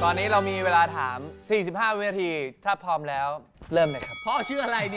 ตอนนี้เรามีเวลาถาม 45 วินาที ถ้าพร้อมแล้วเริ่มเลยครับพ่อชื่ออะไรดี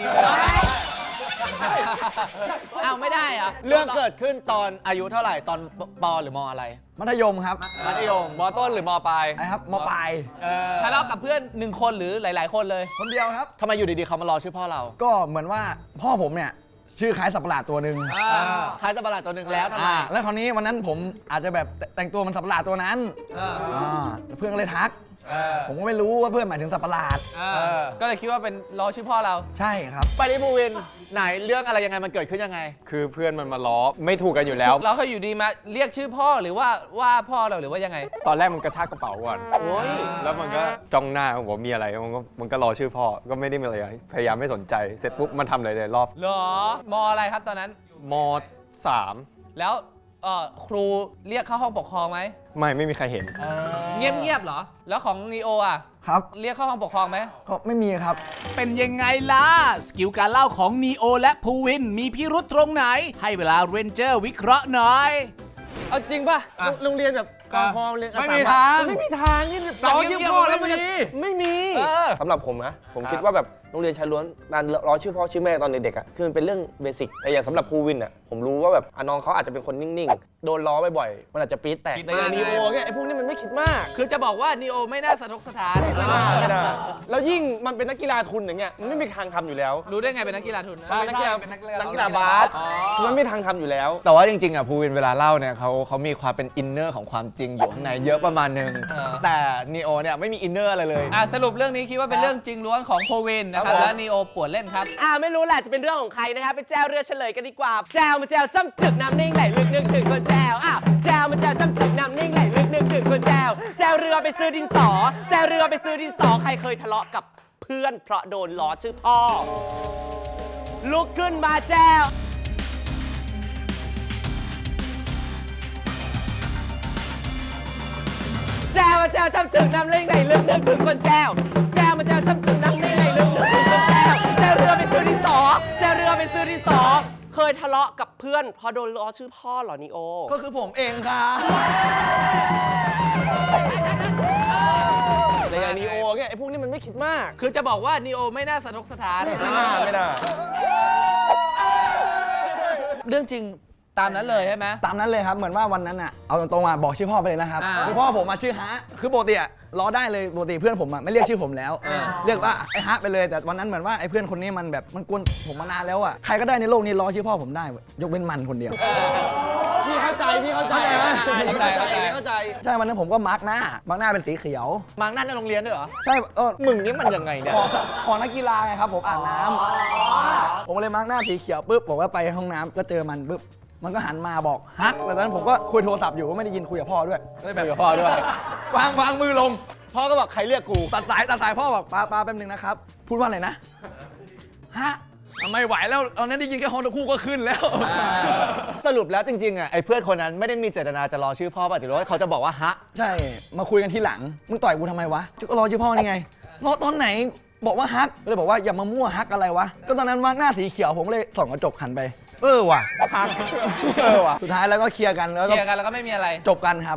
เอาไม่ได้เหรอเรื่องเกิดขึ้นตอนอายุเท่าไหร่ตอนปหรือมอะไรมัธยมครับมัธยมมต้นหรือมปลายไอ้ครับมปลายทะเลาะกับเพื่อน1 คนหรือหลายๆ คนเลยคนเดียวครับทำไมอยู่ดีๆเขามารอชื่อพ่อเราก็เหมือนว่าพ่อผมเนี่ยชื่อคล้ายสัตว์ประหลาดตัวหนึ่งคล้ายสัตว์ประหลาดตัวหนึ่งแล้วทำไมแล้วคราวนี้วันนั้นผมอาจจะแบบแต่งตัวมันสัตว์ประหลาดตัวนั้นแล้วเพื่อนก็เลยทัก ผมก็ไม่รู้ว่าเพื่อนหมายถึงสัตว์ประหลาดก็เลยคิดว่าเป็นรอชื่อพ่อเราใช่ครับไปที่ภูวินไหนเรื่องอะไรยังไงมันเกิดขึ้นยังไงคือเพื่อนมันมาล้อไม่ถูกกันอยู่แล้วเราเคยอยู่ดีมาเรียกชื่อพ่อหรือว่าพ่อเราหรือว่ายังไงตอนแรกมันกระชากกระเป๋าก่อนแล้วมันก็จ้องหน้าผมว่ามีอะไรมันก็รอชื่อพ่อก็ไม่ได้มีอะไรพยายามไม่สนใจเสร็จปุ๊บมันทำอะไรเลยรอบเหรอมอะไรครับตอนนั้นม3 แล้วครูเรียกเข้าห้องปกครองไหมไม่มีใครเห็นเงียบๆเหรอ แล้วของนีโออ่ะครับเรียกเข้าห้องปกครองไหมก็ไม่มีครับเป็นยังไงล่ะ สกิลการเล่าของนีโอและภูวินมีพิรุษตรงไหน ให้เวลาเรนเจอร์วิเคราะห์หน่อยเอาจริงป่ะโรงเรียนแบบกอพอเรียนไม่มีทางไม่มีทางนี่รอชื่อพ่อแล้วมันจะไม่มีสำหรับผมนะผมคิดว่าแบบโรงเรียนชายล้วนการรอชื่อพ่อชื่อแม่ตอนเด็กๆอ่ะคือมันเป็นเรื่องเบสิกแต่อย่างสำหรับภูวินอ่ะผมรู้ว่าแบบน้องเขาอาจจะเป็นคนนิ่งๆโดนล้อบ่อยๆมันอาจจะปี๊ดแตกแต่อย่างนีโอเนี่ยไอ้พวกนี้มันไม่คิดมากคือจะบอกว่านีโอไม่น่าสะทกสถานไม่ได้แล้วยิ่งมันเป็นนักกีฬาทุนอย่างเงี้ยมันไม่มีทางทำอยู่แล้วรู้ได้ไงเป็นนักกีฬาทุนนักกีฬาบาสมันไม่มีทางทำอยู่แล้วแต่ว่าจริงๆอ่ะภูวินเวลาเล่าเนี่ยเขามีความเป็นอินเนอร์ของความจริงอยู่ข้างในเยอะประมาณนึงแต่นีโอเนี่ยไม่มีอินเนอร์อะไรเลยสรุปเรื่องนี้คิดว่าเป็นเรื่องจริงล้วนของโพวินนะครับและนีโอปวดเล่นครับไม่รู้แหละจะเป็นเรื่องของใครนะครับไปแจวเรือเฉลยกันดีกว่าแจวมาแจวจ้ำจึกน้ำนิ่งไหลลึกนึกถึงคนแจวแจวมาแจวจ้ำจึกน้ำนิ่งไหลลึกนึกถึงคนแจวแจวเรือไปซื้อดินสอแจวเรือไปซื้อดินสอใครเคยทะเลาะกับเพื่อนเพราะโดนล้อชื่อพ่อลุกขึ้นมาแจวแจวมาแจวจ้ำจึกน้ำนิ่งไหลลึกนึกถึงคนแจวแจวมาแจวจ้ำจึกน้ำนิ่งไหลลึกนึกถึงคนแจวแจวเรือไปซื้อดินสอแจวเรือไปซื้อดินสอเคยทะเลาะกับเพื่อนเพราะโดนล้อชื่อพ่อเหรอนีโอก็คือผมเองครับแต่อย่างนีโอเนี่ยไอ้พวกนี้มันไม่คิดมากคือจะบอกว่านีโอไม่น่าสะทกสถานไม่น่าเรื่องจริงตามนั้นเลยใช่ไหมตามนั้นเลยครับ เหมือนว่าวันนั้นอ่ะ เอาตรงๆมาบอกชื่อพ่อไปเลยนะครับ คือพ่อผมมาชื่อฮะ คือปกติอ่ะล้อได้เลย ปกติเพื่อนผมอ่ะไม่เรียกชื่อผมแล้ว เรียกว่าไอ้ฮะไปเลย แต่วันนั้นเหมือนว่าไอ้เพื่อนคนนี้มันแบบมันกวนผมมานานแล้วอ่ะ ใครก็ได้ในโลกนี้ล้อชื่อพ่อผมได้เว้ยยกเว้นมันคนเดียวพี่เข้าใจไหมเข้าใจใช่ วันนั้นผมก็มาร์กหน้เป็นสีเขียวมังนั่นในโรงเรียนด้วยเหรอใช่มึงนี่มันยังไงเนี่ยของนักกีฬาไงครับผมอาบน้ำผมเลยมาร์กหน้าสีเขียวปุ๊บผมก็ไปห้องน้ำก็เจอมันปุ๊บมันก็หันมาบอกฮักแต่ตอนนั้นผมก็คุยโทรศัพท์อยู่ก็ไม่ได้ยินคุยกับพ่อด้วยก็เลยแบบคุยกับพ่อด้วยวางมือลงพ่อก็บอกใครเรียกกูตัดสายพ่อบอกปาแป๊บนึงนะครับพูดว่าอะไรนะฮะไม่ไหวแล้วตอนนั้นได้ยินแค่ฮอนตะคู่ก็ขึ้นแล้วสรุปแล้วจริงๆอ่ะไอ้เพื่อนคนนั้นไม่ได้มีเจตนาจะรอชื่อพ่อป่ะแต่ว่าเขาจะบอกว่าฮะใช่มาคุยกันทีหลังมึงต่อยกูทำไมวะก็รอชื่อพ่อนี่ไงรอตอนไหนบอกว่าฮักเลยบอกว่าอย่ามามั่วฮักอะไรวะก็ตอนนั้นมาร์กหน้าสีเขียวผมก็เลยส่องกระจกหันไปว่ะฮักว่ะสุดท้ายแล้วก็เคลียร์กันแล้วก็แล้วก็ไม่มีอะไรจบกันครับ